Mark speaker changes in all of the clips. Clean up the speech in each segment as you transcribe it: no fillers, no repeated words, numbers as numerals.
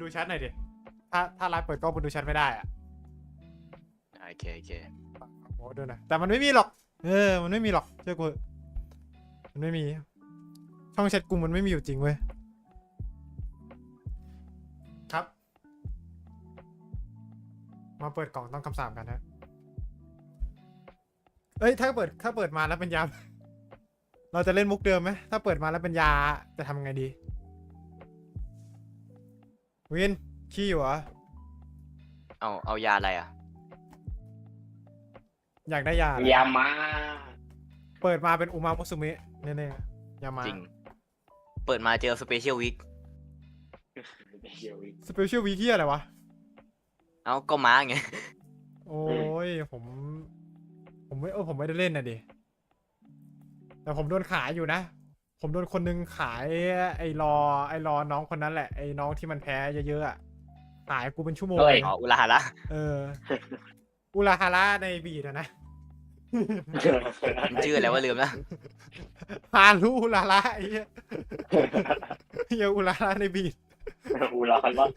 Speaker 1: ดูแชทหน่อยดิถ้าไลฟ์เปิดกล้องมึงดูแชทไม่ได้อ่ะ
Speaker 2: โอเค
Speaker 1: โอ้ดูนะแต่มันไม่มีหรอกมันไม่มีหรอกเชื่อกูมันไม่มีช่องแชทกูมันไม่มีอยู่จริงเว้ยครับมาเปิดกล่องต้องคำสาปกันฮะเอ้ยถ้าเปิดมาแล้วเป็นยาเราจะเล่นมุกเดิมไหมถ้าเปิดมาแล้วเป็นยาจะทำไงดีวินขี้อยู่เหรอ
Speaker 2: เอายาอะไรอ่ะ
Speaker 1: อยากได้ยาอะไร
Speaker 3: ยามา
Speaker 1: เปิดมาเป็นอุมามุสุเมะแน่ๆยามา
Speaker 2: จริงเปิดมาเจอสเปเชียลวีค
Speaker 1: สเปเชียลวีคอะไรวะ
Speaker 2: เอาก็ม้าไง
Speaker 1: โอ้ยผมไม่ได้เล่นนะดิแต่ผมโดนขายอยู่นะผมโดนคนนึงขายไอ้รอน้องคนนั้นแหละไอ้น้องที่มันแพ้เยอะๆอ่ะขายกูเป็นชั่วโมงเลย
Speaker 2: อ๋ออุลาฮาระ
Speaker 1: อุราฮาระในบีดอะนะ
Speaker 2: มันชื่ออะไรวะลืมนะ
Speaker 1: ฮารุอุราฮาระไอ้เหี้ยเหี้ยอุราฮาระในบีด
Speaker 3: อูรอคันว่า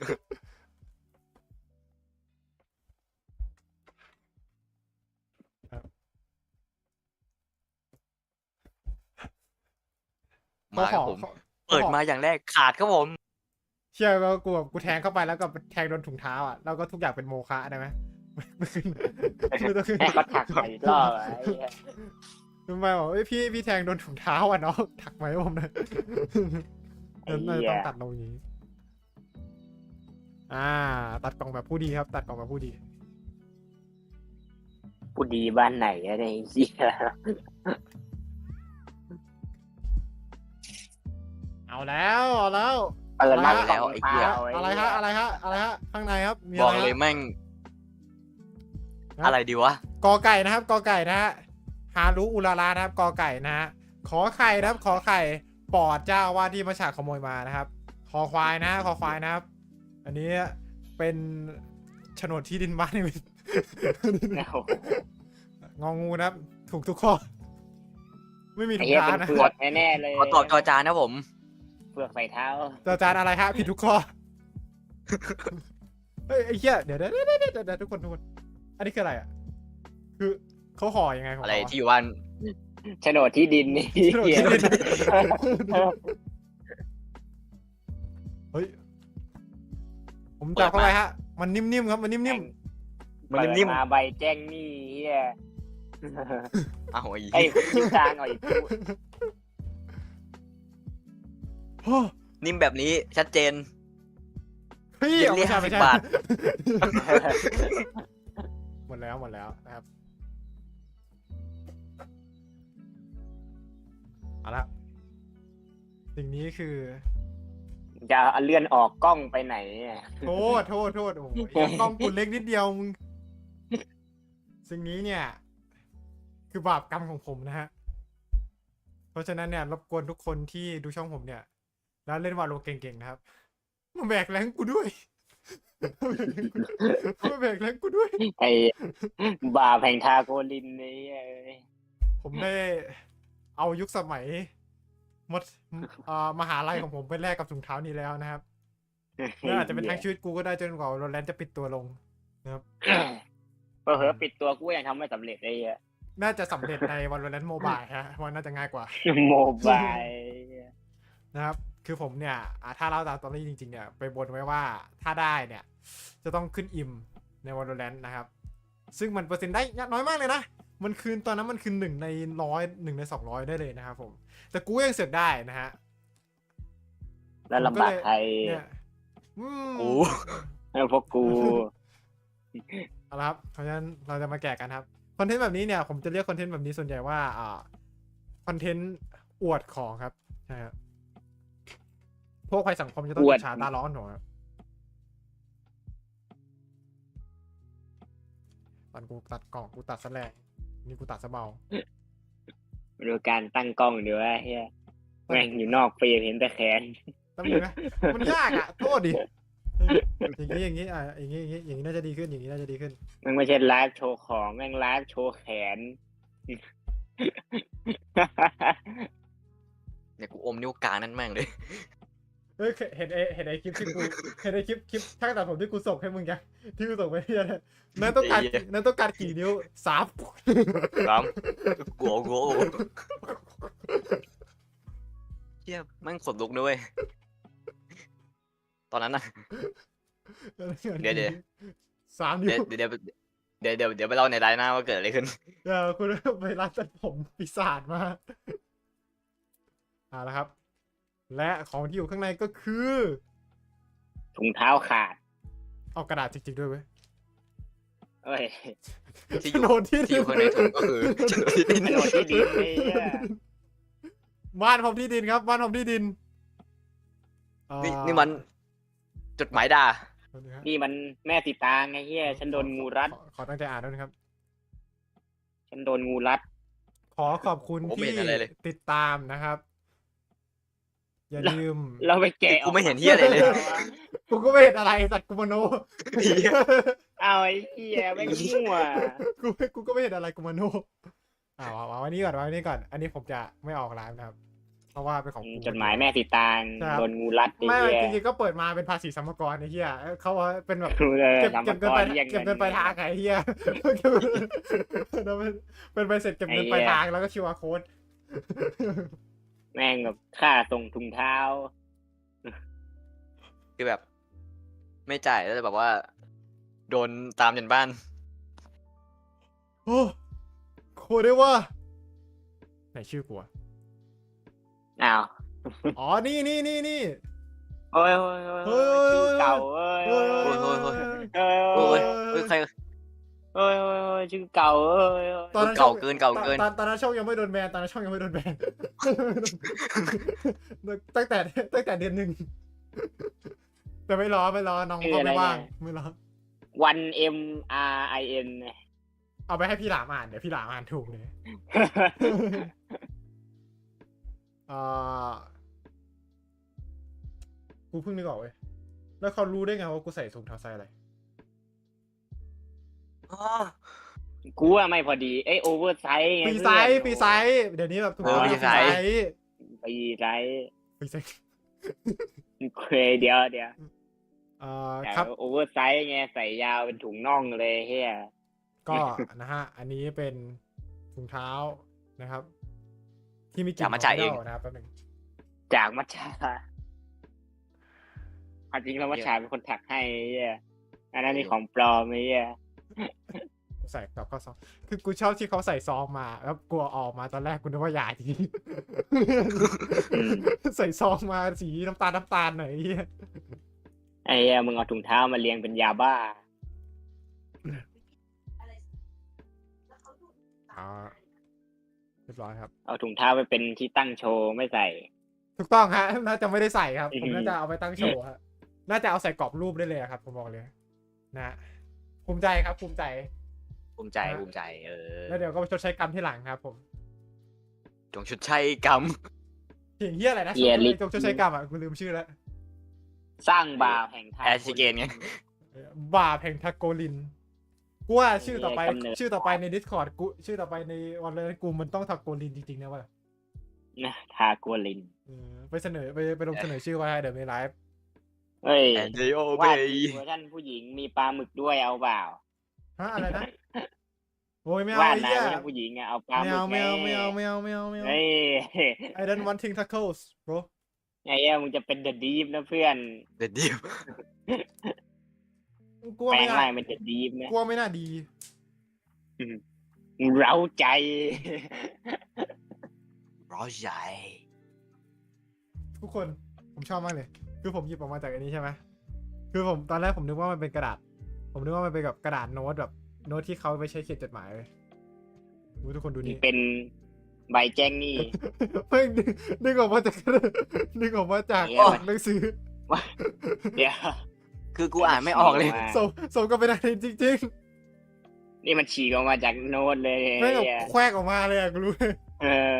Speaker 2: มาครับผม เปิดมาอย่างแรกขาดครับผม
Speaker 1: เชื่อว่ากูแทงเข้าไปแล้วก็แทงโดนถุงเท้าอ่ะแล้วก็ทุกอย่างเป็นโมฆะได้ไหมไม่ต้องขึ้น
Speaker 3: ให้เขาถักใส่รอบไอ้เหี้ย
Speaker 1: ทำไมบอกเอ้ยพี่แทงโดนถุงเท้าอ่ะเนาะถักไหมผมนะนั่นต้องตัดลงอย่างนี้ตัดกล่องแบบผู้ดีครับ ตัดกล่องแบบผู้ดี
Speaker 3: ผู้ดีบ้านไหนอะเนี่ยไอ้เหี้ย
Speaker 1: เอาแล้ว
Speaker 3: เปิดมา
Speaker 2: แล้ว
Speaker 3: ของ
Speaker 2: ไอ้เหี้ย
Speaker 3: เท้า
Speaker 1: อะไรฮะข้างในครับมี
Speaker 2: บ
Speaker 1: อะ
Speaker 2: อก
Speaker 1: ไร
Speaker 2: เลย
Speaker 1: ฮะ
Speaker 2: แม่ง
Speaker 1: ครับ
Speaker 2: อะไรดีวะ
Speaker 1: กอไก่นะครับกอไก่นะฮะฮารุอุรารานะครับกอไก่นะฮะขอไข่นะครับขอไข่ปอดเจ้าว่าที่มาฉากขโมยมานะครับคอควายนะคอควายนะครับ อันนี้เป็นโฉนดที่ดินบ้านนี่ งองูนะครับ ถูกทุกข้อ ไม่มี
Speaker 3: ไอ้
Speaker 1: ถุง
Speaker 3: เหี้ย
Speaker 1: เท้า
Speaker 3: เป็น
Speaker 1: นะ
Speaker 3: เผือกแน่ๆเลย
Speaker 2: ขอตอบจอจานนะผม
Speaker 3: เผือกใส่เท้า
Speaker 1: จานอะไรฮะผิดทุกข้อ เฮ้ยไอ้เหี้ยเดี๋ยวทุกคน อันนี้คืออะไรอ่ะ คือเขาห่อยังไงของ
Speaker 2: อะไร
Speaker 1: เขา
Speaker 2: ที่อยู่บ้าน
Speaker 3: โฉนดที่ดินนี่
Speaker 1: โฉนด
Speaker 3: เหี้ย
Speaker 1: ที่ดิน เฮ้ย ผมจับเข้าไปฮะ มันนิ่มๆครับ มันนิ่ม
Speaker 2: มันนิ่ม
Speaker 3: เปิดมาใบแจ้งหนี้เหี้ย
Speaker 2: ๆอ้าวไอ้
Speaker 3: ไอ้
Speaker 2: เหี้ย
Speaker 3: ยิ้มจางหน่อยกู
Speaker 1: ๆโอ้
Speaker 2: นิ่มแบบนี้ชัดเจน
Speaker 1: พี่
Speaker 2: เรียก
Speaker 1: เอาไม่ใช่
Speaker 2: 50 บาท
Speaker 1: หมดแล้วนะครับ เอาละสิ่งนี้คือ
Speaker 3: จะเอาเลื่อนออกกล้องไปไหนเนี่ย
Speaker 1: โทษ โอ้โหกล้องกูเล็กนิดเดียวมึง สิ่งนี้เนี่ย คือบาปกรรมของผมนะฮะ เพราะฉะนั้นเนี่ยรบกวนทุกคนที่ดูช่องผมเนี่ย แล้วเล่นวาโลเก่งๆนะครับ มาแบกแรงกูด้วย มาแบกแรงกูด้วย
Speaker 3: ไอ้บาแผงทาโกลินนี่เอ้ย
Speaker 1: ผมได้เอายุคสมัยมดมหาลัยของผมไปแลกกับถุงเท้านี้แล้วนะครับและอาจจะเป็นทั้งชีวิตกูก็ได้จนกว่าโรแลนด์จะปิดตัวลงนะครับ
Speaker 3: เผลอๆปิดตัวกูยังทำไม่สำเร็จเลยอะ
Speaker 1: น่าจะสำเร็จในวันโรแลนด์โมบายฮะว่าน่าจะง่ายกว่า
Speaker 3: โมบาย
Speaker 1: นะครับ คือผมเนี่ยถ้าเล่าตามตอรี่จริงๆเนี่ยไปบนไว้ว่าถ้าได้เนี่ย จะต้องขึ้นอิมในวันโรแลนด์นะครับ ซึ่งมันเปอร์เซ็นต์ได้น้อยมากเลยนะ มันคืนตอนนั้นมันคืน1 ใน 100 1 ใน 200ได้เลยนะครับผม แต่กูยังเสือกได้นะฮะ
Speaker 3: แล้วลำบากใคร
Speaker 1: เนี่ย
Speaker 2: กู
Speaker 3: แล้วพวกกู
Speaker 1: เอาละครับเพราะฉะนั้นเราจะมาแกะกันครับ คอนเทนต์แบบนี้เนี่ยผมจะเรียกคอนเทนต์แบบนี้ส่วนใหญ่ว่าคอนเทนต์อวดของครับใช่ครับพวกภัยสังคมจะต้อง
Speaker 3: อวด
Speaker 1: อิจฉาตาร้อนหัวครับตอนกูตัดกล่องกูตัดซะแรงนี่กูตัดซะเบา
Speaker 3: ดูการตั้งกล้องดีว่าเฮียแม่งอยู่นอกเฟรมเห็นแต่แขน
Speaker 1: ตั้งมือนะมันยากอ่ะโทษดิอย่างนี้อย่างนี้น่าจะดีขึ้นอย่างนี้น่าจะดีขึ้น
Speaker 3: มันไม่ใช่ไลฟ์โชว์ของแม่งไลฟ์โชว์แขน
Speaker 2: เนี่ยกูอมนิ้วกลางนั่นแม่งเลย
Speaker 1: เฮ้ยเห็นไอ้คลิปที่กูเห็นไอ้คลิปช่างตัดผมที่กูส่งให้มึงยังที่กูส่งไปเนี่ยนั่นต้องการกี่นิ้ว3
Speaker 2: ครับกลัวเฮียแม่งขนลุกด้วยตอนนั้นน่ะ เดี๋ยว
Speaker 1: 3
Speaker 2: เดี๋
Speaker 1: นิ้
Speaker 2: ยว วเดี๋ยวไปเล่าในไลน์หน้าว่าเกิดอะไรขึ้น
Speaker 1: คุณไปร้านตัดผมปีศาจมาแล้วครับ และของที่อยู่ข้างในก็คือ
Speaker 3: ถุงเท้าขาด
Speaker 1: เอากระดาษจริงๆด้วยเว้ย
Speaker 3: เอ้ย
Speaker 2: ที่
Speaker 1: โฉนดที่
Speaker 2: อยู่ข้างในถุงก็คือโฉนดที่ดิน
Speaker 3: โฉนดที่ดินไอ้เหี้ย
Speaker 1: บ้านผมที่ดินครับบ้านผมที่ดิน
Speaker 2: นี่มันจดหมายด่า
Speaker 3: นี่มันแม่สีตางไอ้เหี้ยฉันโดนงูรัด
Speaker 1: ขอตั้งใจอ่านด้วยนะครับ
Speaker 3: ฉันโดนงูรัด
Speaker 1: ขอขอบคุณที่ติดตามนะครับ อย่าลืม
Speaker 3: เราไปแกะ
Speaker 2: กูไม่เห็นเฮียอะไรเลย
Speaker 1: กูก็ไม่เห็นอะไรสัตว์กูมโน
Speaker 3: เอาไอ้เหี้ยไม่งมั่ว
Speaker 1: กูก็ไม่เห็นอะไรกูมโนวางไว้นี่ก่อนวางไว้นี่ก่อน อันนี้ผมจะไม่ออกไลฟ์นะครับ เพราะว่าเป็นของกู
Speaker 3: จดหมายแม่สีตาง
Speaker 1: ครับ
Speaker 3: โดนงูรัดไอ้
Speaker 1: ไม่
Speaker 3: เหี้ย
Speaker 1: จริงๆก็เปิดมาเป็นภาษีสรรพากรไอ้เหี้ยเขาเป็นแบบ
Speaker 3: รู้เลย
Speaker 1: เก็บ
Speaker 3: ทำ
Speaker 1: เก็
Speaker 3: มา
Speaker 1: บเงิน
Speaker 3: ก่อ
Speaker 1: ไป
Speaker 3: นยัง
Speaker 1: เก็บเงินไปทางไอ้เหี้ยเป็นใบเสร็จเก็บเงินไปทางแล้วก็คิวอาร์โค้ด
Speaker 3: แม่งแบบค่าส่งถุงเท้า
Speaker 2: คือแบบ ไม่จ่ายแล้วแบบว่า โดนตามจนบ้าน
Speaker 1: โอ้โคตรได้ว่าไหนชื่อกูอะ
Speaker 3: อ้าว
Speaker 1: อ๋อนี่
Speaker 3: โอ้ยโอ้ยโอ้ยชื่อเก่าเอ้ย
Speaker 1: เฮ้ย
Speaker 3: โอ้ย
Speaker 2: โอ้ย
Speaker 3: โอ้ย
Speaker 2: โอ้ยใคร
Speaker 3: โอ้ยโอ้ยชื่อเก่าเอ้ย
Speaker 1: ตอนนั้น
Speaker 2: เก่าเกิน
Speaker 1: ตอนนั้นช่องยังไม่โดนแบนตั้งแต่เดือน 1แต่ไม่รอน้องเขาไม่ว่างไม่รอ
Speaker 3: วัน M R I N
Speaker 1: เอาไปให้พี่หลามอ่านเดี๋ยวพี่หลามอ่านถูกเลยกูเพิ่งนึกออกเว้ยแล้วเขารู้ได้ไงว่ากูใส่ถุงเท้าไซส์อะไร
Speaker 3: กูว่าไม่พอดีโอเวอร์ไซส์ไง
Speaker 1: ปีไซส์เดี๋ยวนี้แบบถุงเท้าปีไซส์
Speaker 3: ปีไซส์
Speaker 1: ปีไซส์
Speaker 3: เคยเดี๋ยว
Speaker 1: ครับ
Speaker 3: โอเวอร์ไซส์ไงใส่ยาวเป็นถุงน่องเลยเฮีย
Speaker 1: ก็นะฮะอันนี้เป็นถุงเท้านะครับ ที่มีกลิ่น
Speaker 2: จากมัทฉะเอง
Speaker 1: นะครับแป๊บนึง
Speaker 3: จากมัชชาความจริงแล้วมัชชาเป็นคนถักให้เฮียอันนั้นนี่ของปลอมไอ้เฮีย
Speaker 1: ใส่กับข้อซองคือกูชอบที่เขาใส่ซองมาแล้วกลัวออกมาตอนแรกกูนึกว่ายาจริง ใส่ซองมาสีน้ำตาลหน่อยไอ้เหี้ย
Speaker 3: ไอ้เฮียมึงเอาถุงเท้ามาเรียงเป็นยาบ้า
Speaker 1: เรียบร้อยครับ
Speaker 3: เอาถุงเท้าไปเป็นที่ตั้งโชว์ไม่ใส่
Speaker 1: ถูกต้องฮะน่าจะไม่ได้ใส่ครับผมน่าจะเอาไปตั้งโชว์ฮะน่าจะเอาใส่กรอบรูปได้เลยครับผมบอกเลยนะภูมิใจครับภูมิใจ แล้วเดี๋ยวก็ไปชดใช้กรรมที่หลังครับผม
Speaker 2: จงชดใช้กรรม
Speaker 1: เพียงเฮียอะไรนะ
Speaker 3: เฮียลิ
Speaker 1: จงชดใช้กรรมอ่ะกูลืมชื่อแล้ว
Speaker 3: สร้างบาปแห่งทาง
Speaker 2: แอชิเกนไง
Speaker 1: บาปแห่งทาโกลินกูว่าชื่อต่อไป
Speaker 3: กำเนิด
Speaker 1: ชื่อต่อไปใน Discord กูชื่อต่อไปในวันเลยกูมันต้องทาโกลินจริงๆนะว่า
Speaker 3: นะทาโกลิน
Speaker 1: ไปเสนอไปลงเสนอชื่อไว้เดี๋ยวในไลฟ์
Speaker 3: เฮ้ย
Speaker 2: แอนเดโอเบ
Speaker 3: ว่า
Speaker 2: ย์
Speaker 3: เวอร์ชันผู้หญิงมีปลาหมึกด้วยเอาเปล่า
Speaker 1: ฮะอะไรนะโอ้ยไม่เอา
Speaker 3: ว่า
Speaker 1: ไอ้
Speaker 3: นะ
Speaker 1: เหี้ย
Speaker 3: เวอร์ชันผู้หญิงอะเอาปลาห
Speaker 1: ไม่
Speaker 3: มึก
Speaker 1: เอาไม่เอา
Speaker 3: ง
Speaker 1: ไม่เอาไม่เอา
Speaker 3: เฮ้ย
Speaker 1: I don't want ting tacos bro
Speaker 3: ไอ้เหี้ยมึงจะเป็นเดอะดีฟนะเพื่อน
Speaker 2: เด็ดดิว
Speaker 1: กลัว
Speaker 3: แปล
Speaker 1: ไม่
Speaker 3: ง
Speaker 1: น่า
Speaker 3: ร่างเป็นเดอะดีฟนะ
Speaker 1: กลัวไม่น่าดี
Speaker 3: เร้าใจ
Speaker 2: ร้อยใหญ่
Speaker 1: ทุกคนผมชอบมากเลย คือผมหยิบออกมาจากอันนี้ใช่ไหมคือผมตอนแรกผมนึกว่ามันเป็นกระดาษ ผมนึกว่ามันเป็นกับกระดาษโน้ตแบบโน้ตที่เขาไปใช้เขียนจดหมายเลยทุกคนดูนี่
Speaker 3: เป็นใบแจ้งหนี้
Speaker 1: เพิ่งนึกออกมาจากนึกออกมาจาก
Speaker 3: เนี่ย
Speaker 1: หนังสือ
Speaker 3: เดี๋ยว
Speaker 2: คือกูอ่านไม่ออกเลย
Speaker 3: ว่า
Speaker 1: ส่งก็เป็นอะไรจริง
Speaker 3: นี่มันฉีกออกมาจากโน้ตเลย
Speaker 1: ๆไม่งแบบ
Speaker 3: เหี้ย
Speaker 1: แควกออกมาเลยอะกูรู้เลย
Speaker 3: เออ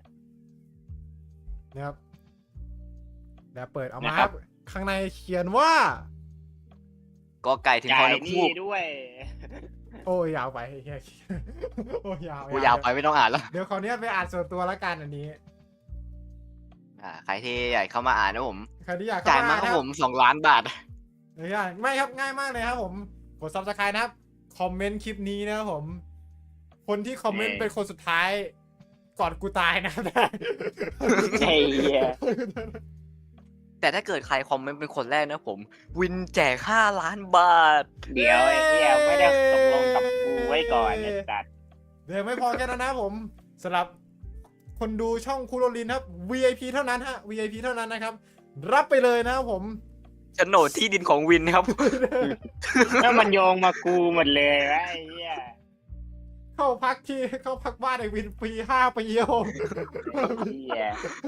Speaker 1: นะครับเดี๋ยวเปิดออกมาครับข้างในเขียนว่า
Speaker 2: ก็ไก่ถึง
Speaker 3: จ่า
Speaker 2: พอย น
Speaker 3: ห
Speaker 2: คู
Speaker 3: นี้
Speaker 2: ก
Speaker 3: ด้วย
Speaker 1: โอ้ยยาวไปเฮียโอ้ยยาว
Speaker 2: กูยาวไปไม่ต้องอ่านแล้ว
Speaker 1: เดี๋ยวขอเนี้ยไปอ่านส่วนตัวละกันอันนี้
Speaker 2: ใครที่อยากเข้ามาอ่านนะผม
Speaker 1: ใครที่อยาก
Speaker 2: จ่าย
Speaker 1: เข้า
Speaker 2: มา
Speaker 1: มา
Speaker 2: ค
Speaker 1: นะ
Speaker 2: รับ
Speaker 1: ครับ
Speaker 2: ผม2 ล้านบาท
Speaker 1: ไม่ครับง่ายมากเลยครับผมกด subscribe นะครับคอมเมนต์คลิปนี้นะครับผม คนที่คอมเมนต์เป็นคนสุดท้ายก่อนกูตายนะครับ
Speaker 3: ไอ้เหี้ย
Speaker 2: แต่ถ้าเกิดใครคอมเมนต์เป็นคนแรกนะผม วินแจก5 ล้านบาท
Speaker 3: เดี๋ยวไอ้เหี้ยไม่ได้ตกลงกับกูไว้ก่อนไอ้สัตว์
Speaker 1: เดี๋ยวไม่พอแค่นั้นนะครับผมสำหรับคนดูช่องคูโรลินครับ VIP เท่านั้นฮะ VIP เท่านั้นนะครับ รับไปเลยนะครับผม
Speaker 2: โฉนดที่ดินของวินครับ
Speaker 3: แล้วมันโยงมากูหมดเลยวะไอ้เหี้ย
Speaker 1: เข้าพักบ้านไอ้วินฟรี5 ปีโอ
Speaker 3: ไอ้เหี้ย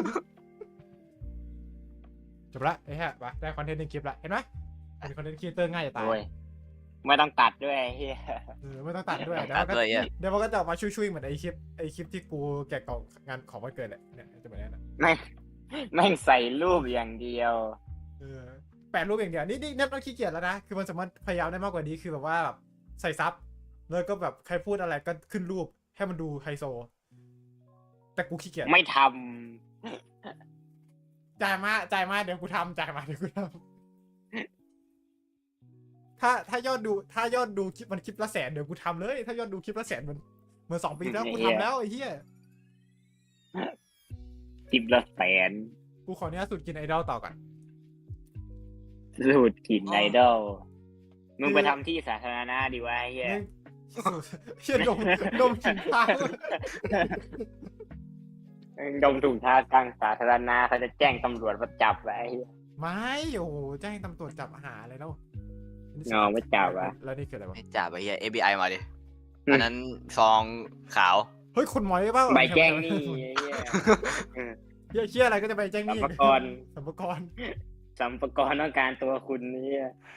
Speaker 1: จบละไอ้ฮะไปได้คอนเทนต์ในคลิปละเห็นไหมเป็นคอนเทนต์ครีเอเตอร์ง่ายจะตาย
Speaker 3: โอ้ยไม่ต้องตัดด้วยไอ้เหี้ย
Speaker 1: ไม่ต้องตัดด้วย
Speaker 2: ตัดด้วยอ่ะ
Speaker 1: เดี๋ยวมันก็จะออกมาช่วยๆเหมือนไอ้คลิปที่กูแกะกล่องงานของวันเกิดแหละเนี่ยจะแบบนี้นะ
Speaker 3: แม่งใส่รูปอย่างเดียว
Speaker 1: แปะรูปอย่างเดียวนี่เน็ตมันขี้เกียจแล้วนะคือมันสามารถพยายามได้มากกว่านี้คือแบบว่าแบบใส่ซับแล้วก็แบบใครพูดอะไรก็ขึ้นรูปให้มันดูไฮโซ แต่กูขี้เกียจ
Speaker 3: ไม่ท
Speaker 1: จ่ายมาเดี๋ยวกูทำถ้ายอดดูคลิปมันคลิปละ100,000เดี๋ยวกูทำเลยถ้ายอดดูคลิปละ100,000เหมือน2 ปีแล้วกูทำแล้วไอ้เหี้ย
Speaker 3: ำจิบละแสน
Speaker 1: กูขออนุญาตสูตรกินไอดอลต่อก่อน
Speaker 3: สูตรกลิ่นไอดอลมึงไปทำที่สาธารณะดีวะไอ้เหี้ย
Speaker 1: เหี้ยดมกลิ่นเท้า
Speaker 3: ดมถุงเท้ากลางสาธารณะเขาจะแจ้งตำรวจมาจับไว้ไอ้เหี้ย
Speaker 1: ไม่โอ้โหแจ้งตำรวจจับหาอะไรแล้ว
Speaker 3: ไม่จับอะ
Speaker 1: แล้วนี่คืออะไรวะ
Speaker 2: ให้จ่าไปเฮีย FBI มาดิ อันนั้นซองขาว
Speaker 1: เฮ้ยคนหมอยเปล่า
Speaker 3: ใบแจ้งหนี่ไอ้เหี้ย
Speaker 1: เหี้ยอะไรก็จะไปแจ้งห
Speaker 3: สัม
Speaker 1: นี่
Speaker 3: ภากร
Speaker 1: สัมภากร
Speaker 3: สัมภากรต้องการตัวคุณนี่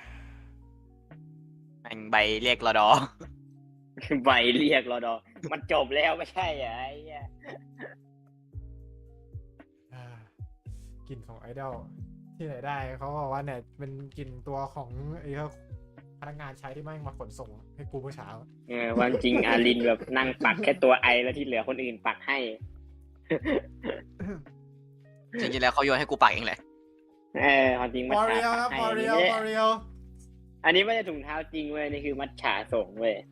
Speaker 2: แม่งใบเรียกรอดอ
Speaker 3: ใบเรียกรอดอมันจบแล้วไม่ใช่เหรอไอ้เหี้ย
Speaker 1: กลิ่นของไอดอลที่ไหนได้เขาบอกว่าเนี่ยเป็นกลิ่นตัวของไอ้พนักงานใช้ที่แม่งมาขนส่งให้กูเมื่อเช้า
Speaker 3: ความจริงอารินแบบนั่งปักแค่ตัวไอแล้วที่เหลือคนอื่นปักให้
Speaker 2: จริงๆแล้วเขาโยนให้กูปักเองแหละ
Speaker 3: ความจริงมั
Speaker 1: ฟ
Speaker 3: ด
Speaker 1: อร์เรีย
Speaker 3: ฉา
Speaker 1: ลครับ
Speaker 3: ปัก
Speaker 1: ฟอร์เรี
Speaker 3: ให้
Speaker 1: ยลฟอร์เรียล
Speaker 3: อันนี้ไม่ใช่ถุงเท้าจริงเว้ยนี่คือมัดฉาส่งเว้ย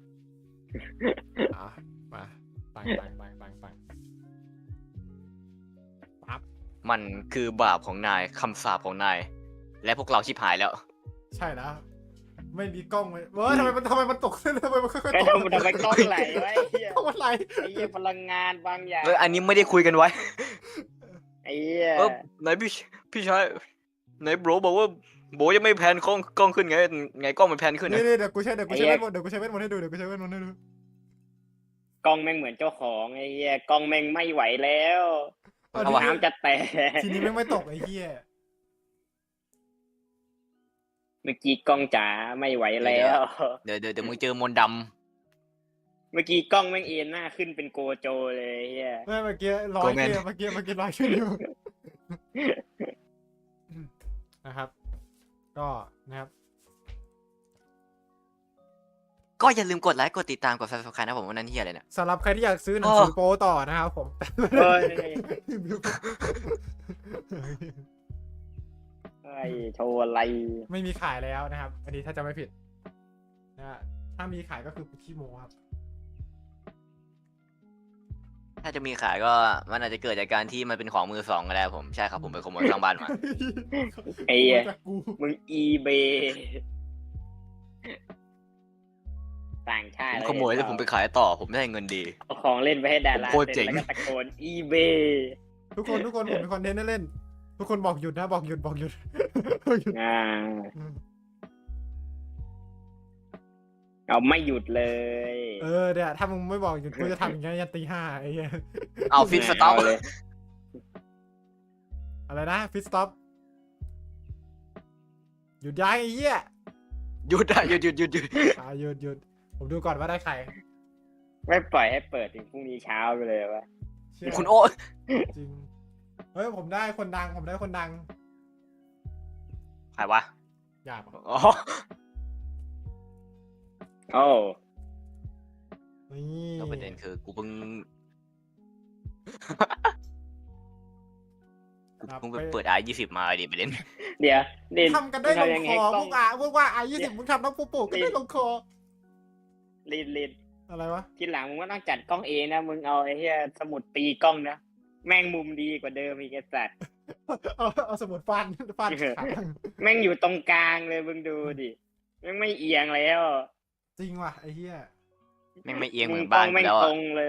Speaker 1: มาปังปั๊บ
Speaker 2: มันคือบาปของนายคำสาปของนาย และพวกเราชิบหายแล้ว
Speaker 1: ใช่แล้วไม่มีกล้องเลยทำไมมันตกทำไมมันค่อย
Speaker 3: ก็
Speaker 1: ๆตก
Speaker 3: ทำไมกล้องไหลไว้ไอ้เหี้ย
Speaker 1: กล้องมันไหล
Speaker 3: ไอ้เหี้ยพลังงานบางอย่าง
Speaker 2: อันนี้ไม่ได้คุยกันไว้
Speaker 3: ไอ้เหี้ย
Speaker 2: ไหนพี่ชายไหนโบรบอกว่าโบยังไม่แพนกล้องขึ้นไงกล้องมันแพนขึ้น
Speaker 1: นี่
Speaker 2: นะ
Speaker 1: เดี๋ยวกูใช้เวทมนต์ให้ดูเดี๋ยวกูใช้เวทมนต์ให้ดู
Speaker 3: กล้องแม่งเหมือนเจ้าของไอ้เหี้ยกล้องแม่งไม่ไหวแล้ว
Speaker 1: เอา
Speaker 3: น้ำจะแตก
Speaker 1: ทีนี้ไม่ตกไอ้เหี้ย
Speaker 3: เมื่อกี้กล้องจ๋าไม่ไหวแล้ว
Speaker 2: เดี๋ยวมึงเจอมนต์ด
Speaker 3: เมื่อกี้กล้องแม่งเอ็นหน้าขึ้นเป็นโกโจเลยไอ้เหี้ย
Speaker 1: เมื่อกี้ร้อยเมื่อกี้ร้อยขึ้นอยู่นะครับ ก็นะครับ
Speaker 2: ำก็อย่าลืมกดไลค์กดติดตามกด subscribe นะผมวันนั้นเฮียอะไรเนี่ย
Speaker 1: สำหรับใครที่อยากซื้อหนังสือโป๊ต่อนะครับผม
Speaker 3: เฮ้ยไอ้โชว์อะไร
Speaker 1: ไม่มีขายแล้วนะครับ อันนี้ถ้าจะไม่ผิดนะฮะถ้ามีขายก็คือขี้โมครับ
Speaker 2: ถ้าจะมีขายก็มันอาจจะเกิดจากการที่มันเป็นของมือสองก็ได้ผมใช่ครับผมไปขโมยข้างบ้านมา
Speaker 3: ไอ้เหี้ย
Speaker 1: จากกู
Speaker 3: มึงอีเบต่างชา
Speaker 2: ผ
Speaker 3: ติ
Speaker 2: มขโมยแล้วผมไปขายต่อผมได้เงินดี
Speaker 3: เอาของเล่นไปให้ดารา
Speaker 2: โคตรเจ๋ง
Speaker 3: แล้วก็ตะโกนอีเบ
Speaker 1: ทุกคนผมมีคอนเทนต์ให้เล่น ทุกคนบอกหยุดนะบอกหยุด
Speaker 3: เอาไม่หยุดเลย
Speaker 1: เนี่ยถ้ามึงไม่บอกหยุดกูจะทำอย่างเงี้ยยันตี 5ไอ้เหี้ย
Speaker 2: เอาฟิตสต็อป
Speaker 3: เลย
Speaker 1: อะไรนะฟิตสต็อปหยุดย้ายไอ้เหี้ย
Speaker 2: หยุดอะหยุด
Speaker 1: หยุดผมดูก่อนว่าได้ใคร
Speaker 3: ไม่ปล่อยให้เปิดถึงพรุ่งนี้เช้าไปเลยวะ
Speaker 1: เชื่อ
Speaker 2: คุณโอ้
Speaker 1: จริงเฮ้ยผมได้คนดัง
Speaker 2: ใ
Speaker 1: ใ
Speaker 2: ครวะ
Speaker 1: หยาบ
Speaker 2: อ๋อ
Speaker 3: โอ้
Speaker 1: นี่
Speaker 2: แล้วประเด็นคือกูเพิ่ง
Speaker 1: นะครับ
Speaker 2: มึงไปเปิดR20มาดิไปเล่น
Speaker 3: เดี๋ยวเล่น
Speaker 1: ทำกันได้ลง
Speaker 3: ยัง
Speaker 1: ค
Speaker 3: ไง
Speaker 1: อก
Speaker 3: ล้
Speaker 1: พ
Speaker 3: อง
Speaker 1: วกพวกว่าI20มึงทำน้องปูปูก็ได้ลงคอ
Speaker 3: ลิน
Speaker 1: อะไรวะ
Speaker 3: ทีหลังมึงก็ต้องจัดกล้องเองนะมึงเอาไอ้เหี้ยสมุดตีกล้องนะแม่งมุมดีกว่าเดิมอีกไอ้สัตว์
Speaker 1: เอาสมุดฟันขา
Speaker 3: แม่งอยู่ตรงกลางเลยมึงดูดิแม่งไม่เอียงแล้ว
Speaker 1: จริงว่ะไอ้เหี้ย
Speaker 2: แม่งไม่เอียงเหมือน
Speaker 3: กล้
Speaker 2: บ้า
Speaker 3: อน ง
Speaker 2: กู
Speaker 3: แม่ง
Speaker 2: แล้ว
Speaker 3: ต
Speaker 2: อะ
Speaker 3: รงเลย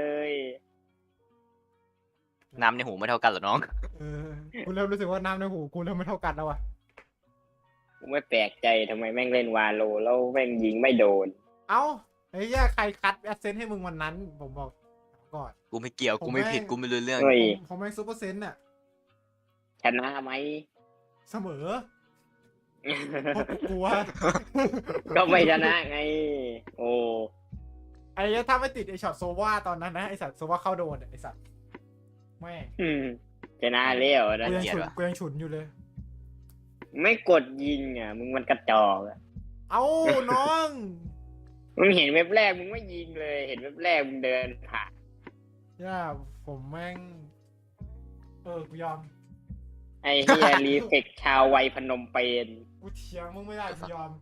Speaker 2: น้ำในหูไม่เท่ากันเหรอน้อง
Speaker 1: กูเริ่มรู้สึกว่าน้ำในหูกูเริ่มไม่เท่ากันแล้วว่ะ
Speaker 3: กูไม่แปลกใจทำไมแม่งเล่นวาโลแล้วแม่งยิงไม่โดน
Speaker 1: เอ้าไอ้เหี้ยใครคัดแอดเซนต์ให้มึงวันนั้นผมบอกก่อน
Speaker 2: กูไม่เกี่ยวกูไม่ผิดกูไม่รู้เรื่อง
Speaker 3: เฮ้ย
Speaker 1: ผมแม่งซูเปอร์เซนต์น่ะ
Speaker 3: ชนะไหม
Speaker 1: เสมอเพราะกูกลัว
Speaker 3: ก็ไม่ชนะไง โอ้
Speaker 1: ไอ้เหี้ยถ้าไม่ติดไอ้ช็อตโซว่าตอนนั้นนะไอ้สัตว์โซว่าเข้าโดนไอ้สัตว์แม่ง
Speaker 3: ชนะแล้วนะ
Speaker 1: กูยังฉุนอยู่เลย
Speaker 3: ไม่กดยิงอ่ะมึงมันกระจอกอ่ะ
Speaker 1: เอ้าน้อง
Speaker 3: มึงเห็นเว็บแรกมึงไม่ยิงเลย เห็นเว็บแรกมึงเดินผ่าน
Speaker 1: ย่าผมแม่งกูยอม
Speaker 3: ไอ้เฮีย รีเฟกชาววัยพนมเปญ
Speaker 1: กูเถียงมึงไม่ได้กูยอม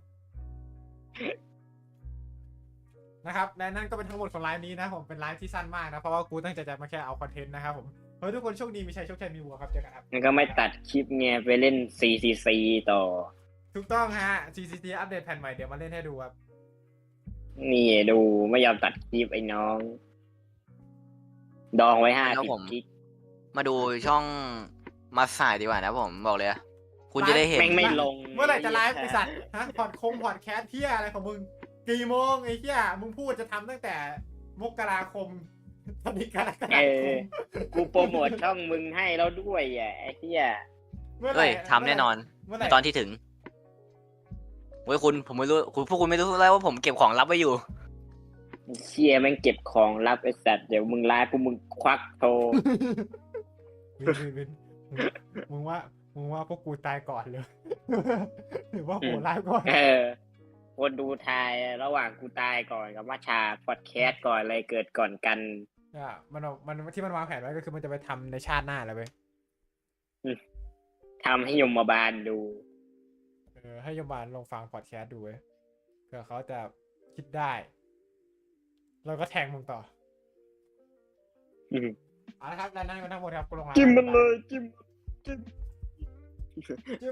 Speaker 1: นะครับและนั่นก็เป็นทั้งหมดของไลฟ์นี้นะผมเป็นไลฟ์ที่สั้นมากนะเพราะว่ากูตั้งใจจะมาแค่เอาคอนเทนต์นะครับผมเฮ้ยทุกคนโชคดีมีชัยโชคชัยมีวัวครับเจอกันครับ
Speaker 3: มันก็ไม่ตัดคลิปไงไปเล่น CCC ต่อ
Speaker 1: ถูกต้องฮะ CCT อัปเดตแผ่นใหม่เดี๋ยวมาเล่นให้ดูครับ
Speaker 3: นี่ดูไม่ยอมตัดคลิปไอ้น้อง ดองไว้50 กิก
Speaker 2: มาดูช่องมาสายดีกว่านะผมบอกเลยอะคุณจะได้เห็น
Speaker 3: แม่งไม่ลง
Speaker 1: เมื่อไหร่จะไลฟ์ไอสัตว์ฮะพอดแคสต์เที่ยอะไรของมึงกี่โมงไอ้เที่ยมึงพูดจะทำตั้งแต่มกราคมตอนนี้กรกฎาคม
Speaker 3: กูโปรโมทช่องมึงให้แล้วด้วยอ่ะไอ้เหี้ย
Speaker 1: มื่อไหร่
Speaker 2: เฮ้ยทำแน่นอน
Speaker 1: เมื่อไหร่
Speaker 2: ตอนที่ถึงเว้ยคุณผมไม่รู้คุณพวกคุณไม่รู้แล้วว่าผมเก็บของลับไว้อยู่
Speaker 3: เชี่ยแม่งเก็บของลับไอ้สัตว์เดี๋ยวมึงไลฟ์ปุ๊บมึงควักโทร
Speaker 1: วินมึงว่าพวกกูตายก่อนเลย หรือว่าโหไลฟ์ก่อน
Speaker 3: คนดูทายระหว่างกูตายก่อนกับมาชาพอดแคสต์ก่อนอะไรเกิดก่อนกัน
Speaker 1: มันที่มันวางแผนไว้ก็คือมันจะไปทำในชาติหน้าแล้วเว้ย
Speaker 3: ทำให้ยมบาลดู
Speaker 1: ให้ยมบาลลองฟังพอดแคสต์ดูเว้ยเผื่อเขาจะคิดได้ แล้วก็แทงมึงต่อเอาละครับและนั่นก็ทั้งหมดครับกูลงไลฟ์
Speaker 3: จิ้มมันเลยจิ้ม